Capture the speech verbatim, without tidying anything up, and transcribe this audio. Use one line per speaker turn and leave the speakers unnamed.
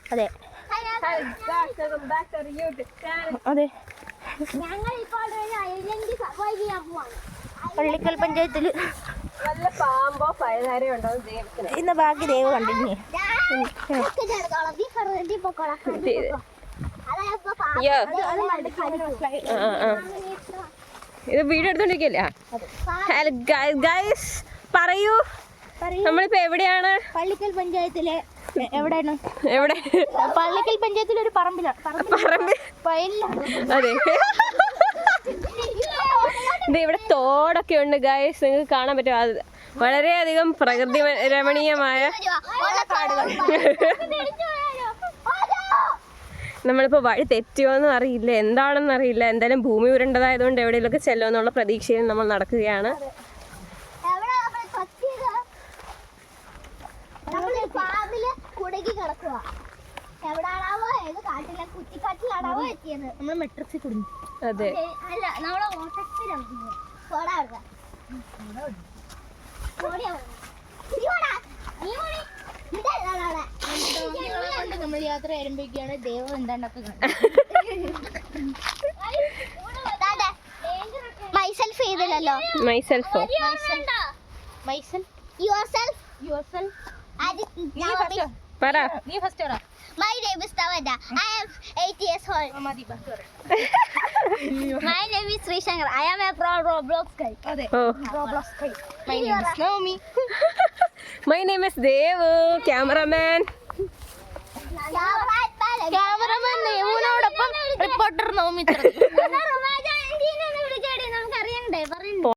അതെ അതെ പള്ളിക്കൽ പഞ്ചായത്തില്
പാമ്പോ പഴുതാരയോ ഉണ്ടോ
ഇന്ന് ബാക്കി ദൈവ കണ്ടിരുന്നേ.
ഇത് വീഡിയോ എടുത്തോണ്ടിരിക്കല്ലേ? ഹലോ ഗൈസ്, പറയൂ നമ്മളിപ്പോ എവിടെയാണ്?
പള്ളിക്കൽ പഞ്ചായത്തിലെ എവിടെയാണ്?
എവിടെ?
പള്ളിക്കൽ പഞ്ചായത്തിലെ ഒരു പറമ്പിലാണ്.
പറമ്പ്? അതെ. ഇത് ഇവിടെ തോടൊക്കെ ഉണ്ട് ഗൈസ്, നിങ്ങൾക്ക് കാണാൻ പറ്റും. അത് വളരെയധികം പ്രകൃതി രമണീയമായ. നമ്മളിപ്പോ വഴി തെറ്റിയോന്നും അറിയില്ല, എന്താണെന്ന് അറിയില്ല. എന്തായാലും ഭൂമി ഉരുണ്ടതായതുകൊണ്ട് എവിടെയെങ്കിലൊക്കെ ചെല്ലുമെന്നുള്ള പ്രതീക്ഷയിൽ നമ്മൾ നടക്കുകയാണ്. അതെ,
നമ്മൾ യാത്ര ആരംഭിക്കുകയാണ്. ദൈവം എന്താണ്ടൊക്കെ മൈസെൽഫ് ചെയ്തില്ലല്ലോ.
മൈസെൽഫോ?
മൈസെൽഫ് യുവർസെൽഫ് യുവർസെൽഫ്
പറ.
നീ ഫസ്റ്റ് പറ. My name is Tavada. I am eight years old. My name is Sri Shankar. I am a pro Roblox guy.
Oh.
Roblox guy. My name is Naomi.
My name is Devu, cameraman.
Cameraman നെവിനോടൊപ്പം reporter Navami.